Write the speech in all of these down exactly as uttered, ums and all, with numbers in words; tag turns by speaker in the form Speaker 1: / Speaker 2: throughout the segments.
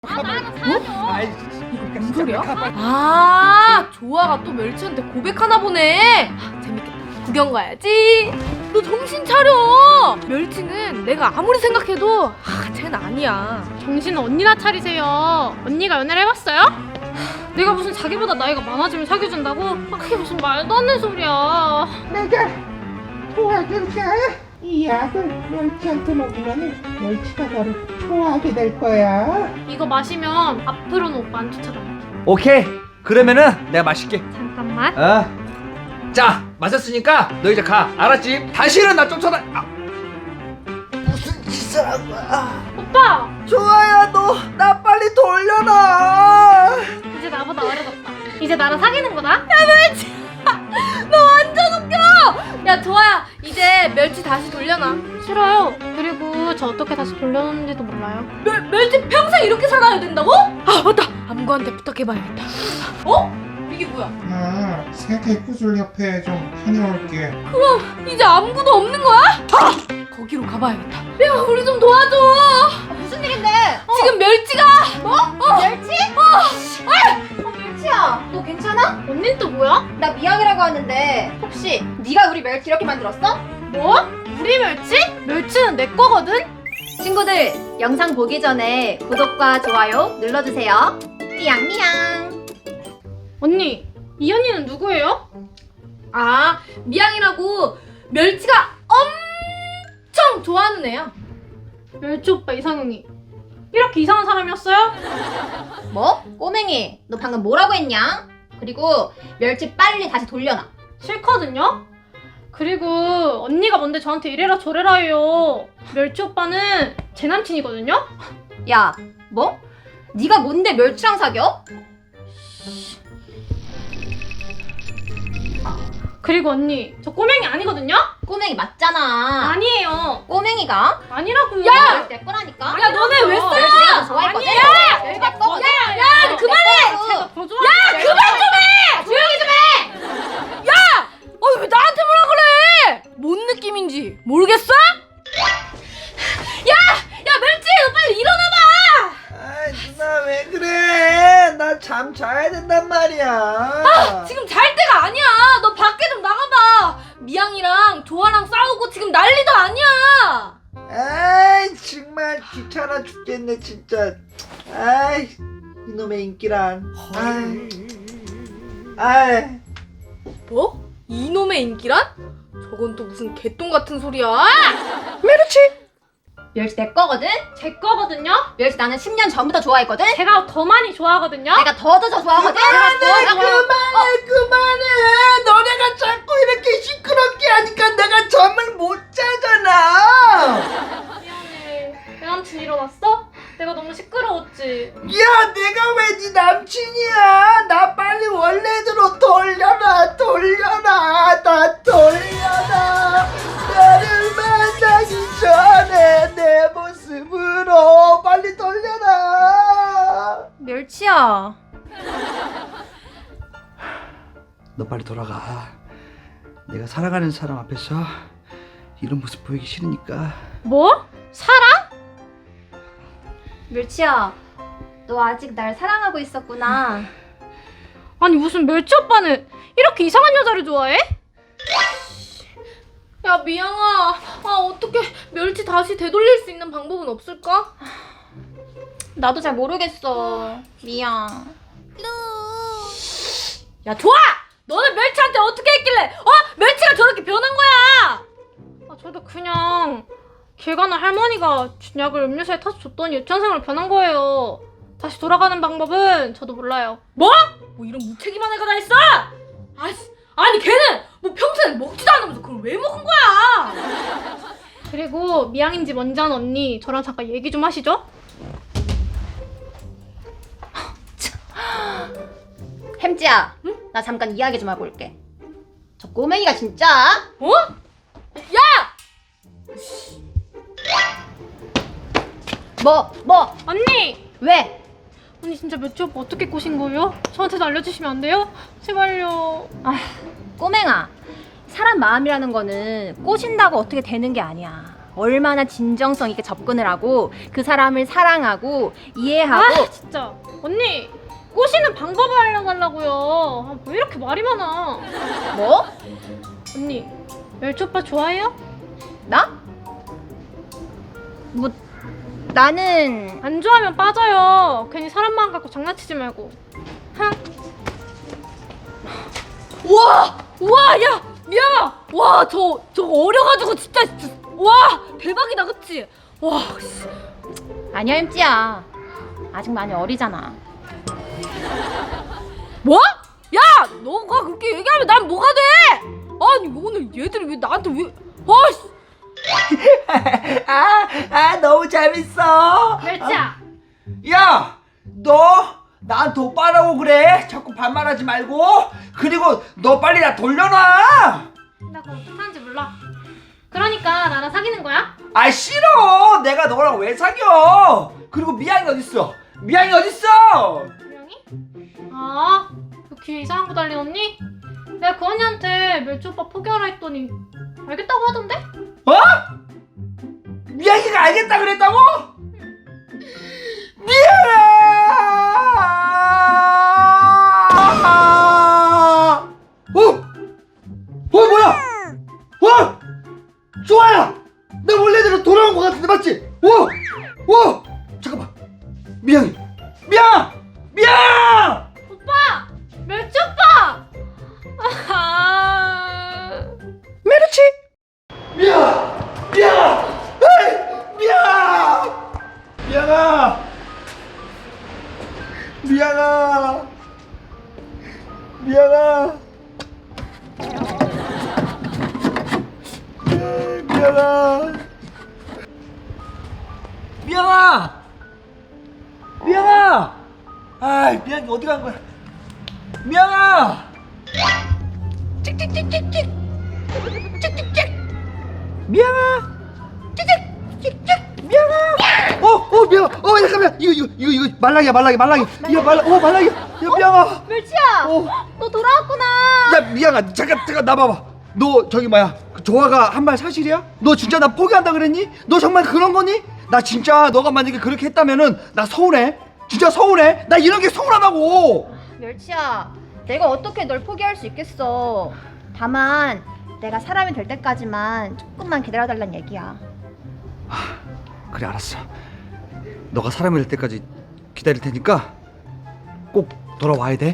Speaker 1: 아, 나도 사줘.
Speaker 2: 무슨 소리야? 아, 조아가 또 멸치한테 고백하나 보네. 아, 재밌겠다. 구경 가야지. 너 정신 차려. 멸치는 내가 아무리 생각해도 아, 쟤는 아니야.
Speaker 1: 정신은 언니나 차리세요. 언니가 연애를 해봤어요? 내가 무슨 자기보다 나이가 많아지면 사귀어준다고? 아, 그게 무슨 말도 안 되는 소리야.
Speaker 3: 내가 도와줄게. 이 약을 멸치한테 먹으면 멸치가 너를 좋아하게 될 거야.
Speaker 1: 이거 마시면 앞으로는 오빠 안 쫓아다녀.
Speaker 4: 오케이. 그러면은 내가 마실게.
Speaker 1: 잠깐만.
Speaker 4: 어. 자, 마셨으니까 너 이제 가. 알았지? 다시는 나 쫓아다. 아. 무슨 짓을 한 거야?
Speaker 1: 오빠!
Speaker 4: 좋아야, 너 나 빨리 돌려놔.
Speaker 1: 이제 나보다 어려졌다. 이제 나랑 사귀는 거다?
Speaker 2: 야, 멸치. 너 완전 웃겨. 야, 조아야. 이제 멸치 다시 돌려놔.
Speaker 1: 싫어요. 그리고 저 어떻게 다시 돌려놓는지도 몰라요.
Speaker 2: 멸, 멸치 평생 이렇게 살아야 된다고? 아, 맞다. 암구한테 부탁해봐야겠다. 어? 이게 뭐야?
Speaker 3: 아, 세계 구슬협회에 좀 다녀올게.
Speaker 2: 그럼 이제 아무것도 없는 거야? 아! 거기로 가봐야겠다. 야, 우리 좀 도와줘.
Speaker 5: 아, 무슨 일인데?
Speaker 2: 지금 멸치가
Speaker 5: 뭐?
Speaker 2: 어.
Speaker 5: 멸치?
Speaker 2: 어.
Speaker 5: 아, 멸치야, 너 괜찮아?
Speaker 1: 언니는 또 뭐야?
Speaker 5: 나 미영이라고 하는데 혹시 네가 우리 멸치 이렇게 만들었어?
Speaker 1: 뭐? 우리 멸치? 멸치는 내 거거든?
Speaker 5: 친구들, 영상 보기 전에 구독과 좋아요 눌러주세요. 미양미양.
Speaker 1: 언니, 이 언니는 누구예요?
Speaker 2: 아, 미양이라고 멸치가 엄청 좋아하는 애야.
Speaker 1: 멸치 오빠 이상형이 이렇게 이상한 사람이었어요?
Speaker 5: 뭐? 꼬맹이, 너 방금 뭐라고 했냐? 그리고 멸치 빨리 다시 돌려놔.
Speaker 1: 싫거든요? 그리고 언니가 뭔데 저한테 이래라 저래라 해요. 멸치 오빠는 제 남친이거든요?
Speaker 5: 야, 뭐? 네가 뭔데 멸치랑 사겨?
Speaker 1: 그리고 언니, 저 꼬맹이 아니거든요?
Speaker 5: 꼬맹이 맞잖아.
Speaker 1: 아니에요.
Speaker 5: 꼬맹이가
Speaker 1: 아니라고요.
Speaker 5: 멸치 내 거라니까.
Speaker 2: 야, 너네 왜 써?
Speaker 5: 멸치 내가 더 좋아했거든.
Speaker 1: 아니에요.
Speaker 5: 멸치 내 거거든.
Speaker 1: 야,
Speaker 2: 야, 그만해!
Speaker 1: 제가 더 좋아. 야,
Speaker 5: 그만 좀 해! 조용히 좀 해!
Speaker 2: 어, 왜 나한테 뭐라 그래? 뭔 느낌인지 모르겠어? 야! 야, 멸치! 너 빨리 일어나봐!
Speaker 4: 아이, 누나 왜 그래? 나 잠 자야 된단 말이야.
Speaker 2: 아, 지금 잘 때가 아니야. 너 밖에 좀 나가봐. 미양이랑 조아랑 싸우고 지금 난리도 아니야.
Speaker 4: 아이, 정말 귀찮아 죽겠네 진짜. 아이, 이놈의 인기란. 아이. 아이.
Speaker 2: 뭐? 이놈의 인기란? 저건 또 무슨 개똥 같은 소리야?
Speaker 4: 메르치.
Speaker 5: 멸치 내 거거든.
Speaker 1: 제 거거든요?
Speaker 5: 멸치 나는 십 년 전부터 좋아했거든.
Speaker 1: 제가 더 많이 좋아하거든요?
Speaker 5: 내가 더 더 더 좋아하거든.
Speaker 4: 그만해,
Speaker 5: 내가 더 좋아-
Speaker 4: 그만해, 그만해. 너네가 자꾸 이렇게 시끄럽게 하니까 내가 잠을 못 자잖아.
Speaker 1: 미안해. 내 남친 일어났어? 내가 너무 시끄러웠지.
Speaker 4: 야, 내가 왜 네 남친이야? 나 빨리 원래대로 돌려놔, 돌려놔, 나 돌려놔. 나를 만나기 전에 내 모습으로 빨리 돌려놔.
Speaker 5: 멸치야.
Speaker 4: 너 빨리 돌아가. 내가 사랑하는 사람 앞에서 이런 모습 보이기 싫으니까.
Speaker 1: 뭐? 사랑?
Speaker 5: 멸치야. 너 아직 날 사랑하고 있었구나.
Speaker 1: 아니 무슨 멸치 오빠는 이렇게 이상한 여자를 좋아해?
Speaker 2: 야, 미양아. 아, 어떻게 멸치 다시 되돌릴 수 있는 방법은 없을까?
Speaker 5: 나도 잘 모르겠어. 미안.
Speaker 2: 야, 좋아! 너는 멸치한테 어떻게 했길래 어? 멸치가 저렇게 변한 거야!
Speaker 1: 아, 저도 그냥 길 가는 할머니가 준 약을 음료수에 타서 줬더니 유치원생으로 변한 거예요. 다시 돌아가는 방법은 저도 몰라요.
Speaker 2: 뭐? 뭐 이런 무책임한 애가 다 있어? 아씨, 아니 걔는 뭐 평소에 먹지도 않으면서 그걸 왜 먹은 거야?
Speaker 1: 그리고 미양인지 뭔지 아는 언니 저랑 잠깐 얘기 좀 하시죠?
Speaker 5: 햄찌야. 응? 나 잠깐 이야기 좀 하고 올게. 저 꼬맹이가 진짜.
Speaker 2: 어? 야!
Speaker 5: 뭐? 뭐?
Speaker 1: 언니!
Speaker 5: 왜?
Speaker 1: 언니 진짜 멸치 오빠 어떻게 꼬신 거예요? 저한테도 알려주시면 안 돼요? 제발요.
Speaker 5: 아, 꼬맹아. 사람 마음이라는 거는 꼬신다고 어떻게 되는 게 아니야. 얼마나 진정성 있게 접근을 하고 그 사람을 사랑하고 이해하고.
Speaker 1: 아 진짜 언니 꼬시는 방법을 알려달라고요. 아, 왜 이렇게 말이 많아.
Speaker 5: 뭐?
Speaker 1: 언니 멸치 오빠 좋아해요?
Speaker 5: 나? 뭐 나는
Speaker 1: 안 좋아하면 빠져요. 괜히 사람 마음 갖고 장난치지 말고. 흥.
Speaker 2: 우와! 우와! 야! 미안아! 와, 저, 저 어려가지고 진짜, 진짜 와! 대박이다, 그치? 와, 씨.
Speaker 5: 아니야 햄찌야. 아직 많이 어리잖아.
Speaker 2: 뭐? 야! 너가 그렇게 얘기하면 난 뭐가 돼? 아니, 오늘 얘들이 왜 나한테 왜, 아, 씨.
Speaker 4: 아, 아 너무 재밌어.
Speaker 1: 멸치야.
Speaker 4: 야, 너 나한테 오빠라고 그래? 자꾸 반말하지 말고. 그리고 너 빨리 나 돌려놔.
Speaker 1: 나 그거 어떻게 하는지 몰라. 그러니까 나랑 사귀는 거야?
Speaker 4: 아 싫어. 내가 너랑 왜 사겨? 그리고 미양이 어딨어? 미양이 어딨어?
Speaker 1: 분명히? 아, 그 귀에 이상한 거 달린 언니? 내가 그 언니한테 멸치 오빠 포기하라 했더니 알겠다고 하던데?
Speaker 4: 어? 미양이가 알겠다 그랬다고? 미양아! 어? 어 뭐야? 어? 좋아요. 내 원래대로 돌아온 것 같은데 맞지? 어? 어? 잠깐만. 미양이. 미양! 미양!
Speaker 1: 오빠! 멸치 오빠! 아...
Speaker 4: 메르치. 미양! 미양! 에이! 미양! 미양아! 미양아! 미양아! 에이, 미양아! 미양아! 미양아! 아이, 미양이 어디 간 거야? 미양아! 찍찍찍찍찍! 찍찍찍! 미양아! 찍찍찍찍! 미양아! 어, 어, 미양아! 어, 잠깐만! 이거, 이거, 이거, 이거 말랑이야, 말랑이, 말랑이! 이거 말랑, 어, 말랑이야! 야, 미양아!
Speaker 5: 멸치야.
Speaker 4: 어.
Speaker 5: 너 돌아왔구나.
Speaker 4: 야, 미양아, 잠깐, 잠깐, 나봐봐. 너 저기 뭐야? 그 조화가 한 말 사실이야? 너 진짜 나 포기한다 그랬니? 너 정말 그런 거니? 나 진짜 너가 만약에 그렇게 했다면은 나 서운해. 진짜 서운해. 나 이런 게 서운하다고.
Speaker 5: 멸치야, 내가 어떻게 널 포기할 수 있겠어. 다만 내가 사람이 될 때까지만 조금만 기다려달란 얘기야.
Speaker 4: 그래, 알았어. 너가 사람이 될 때까지 기다릴 테니까 꼭 돌아와야 돼.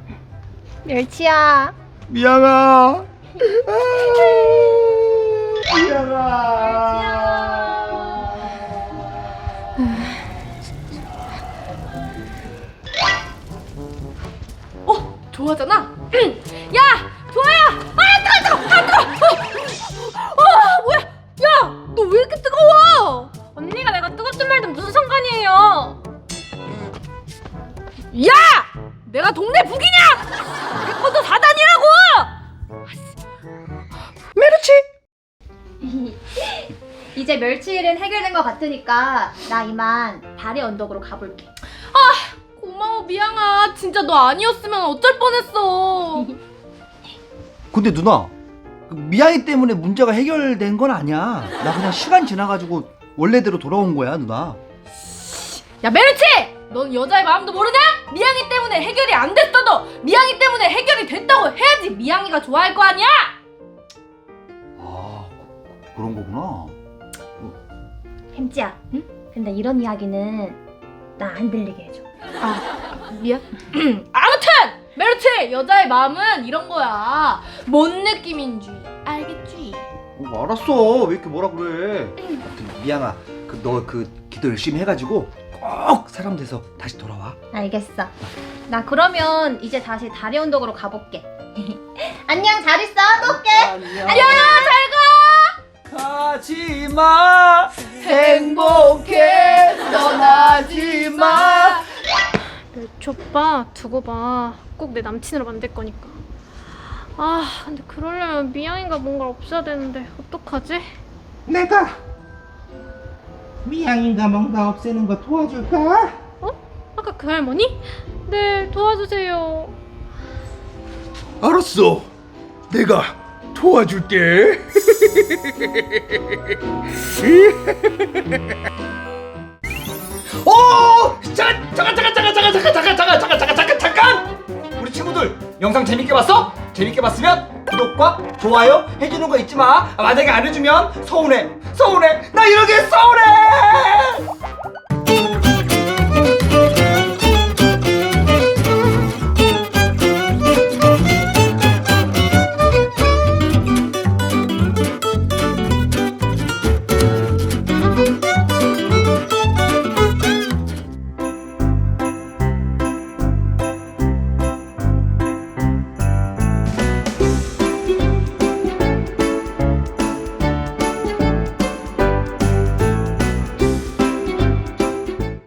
Speaker 5: 멸치야.
Speaker 4: 미양아. 미양아.
Speaker 2: 어, 좋아하잖아? 야! 좋아야! 아, 뜨거, 뜨거, 아, 뜨거! 어, 아, 뭐야? 야! 너 왜 이렇게 뜨거워?
Speaker 1: 언니가 내가 뜨겁든 말든 무슨 상관이에요?
Speaker 2: 야! 내가 동네 북이냐? 백번도 사단이라고!
Speaker 4: 메르치.
Speaker 5: 이제 멸치 일은 해결된 것 같으니까 나 이만 달의 언덕으로 가볼게.
Speaker 2: 고마워, 미양아. 진짜 너 아니었으면 어쩔 뻔했어.
Speaker 4: 근데 누나, 그 미양이 때문에 문제가 해결된 건 아니야. 나 그냥 시간 지나가지고 원래대로 돌아온 거야, 누나.
Speaker 2: 야, 메르치! 넌 여자의 마음도 모르냐? 미양이 때문에 해결이 안 됐어도 미양이 때문에 해결이 됐다고 해야지 미양이가 좋아할 거 아니야?
Speaker 4: 아, 그런 거구나.
Speaker 5: 햄찌야. 응? 근데 이런 이야기는 나 안 들리게 해줘.
Speaker 2: 아, 미안. 아무튼 메르치! 여자의 마음은 이런 거야. 뭔 느낌인지 알겠지?
Speaker 4: 어, 알았어. 왜 이렇게 뭐라 그래? 아무튼 미양아, 그 너 그 기도 열심히 해가지고 꼭 사람 돼서 다시 돌아와.
Speaker 5: 알겠어. 나 그러면 이제 다시 달의 언덕으로 가볼게. 안녕, 잘 있어. 또 올게.
Speaker 4: 안녕.
Speaker 2: 안녕, 잘 가.
Speaker 4: 가지마, 행복해, 떠나지마.
Speaker 1: 멸치 오빠 두고 봐. 꼭 내 남친으로 만들 거니까. 아 근데 그러려면 미양이가 뭔가를 없애야 되는데 어떡하지?
Speaker 3: 내가 미양인가 뭔가 없애는 거 도와줄까?
Speaker 1: 어? 아까 그 할머니? 네 도와주세요.
Speaker 4: 알았어, 내가 도와줄게. 오! 잠깐 잠깐 잠깐 잠깐 잠깐 잠깐 잠깐 잠깐 잠깐 잠깐 잠깐 잠깐! 우리 친구들 영상 재밌게 봤어? 재밌게 봤으면 구독과 좋아요 해주는 거 잊지 마. 만약에 안 해주면 서운해 서운해 나 이러게 서운해.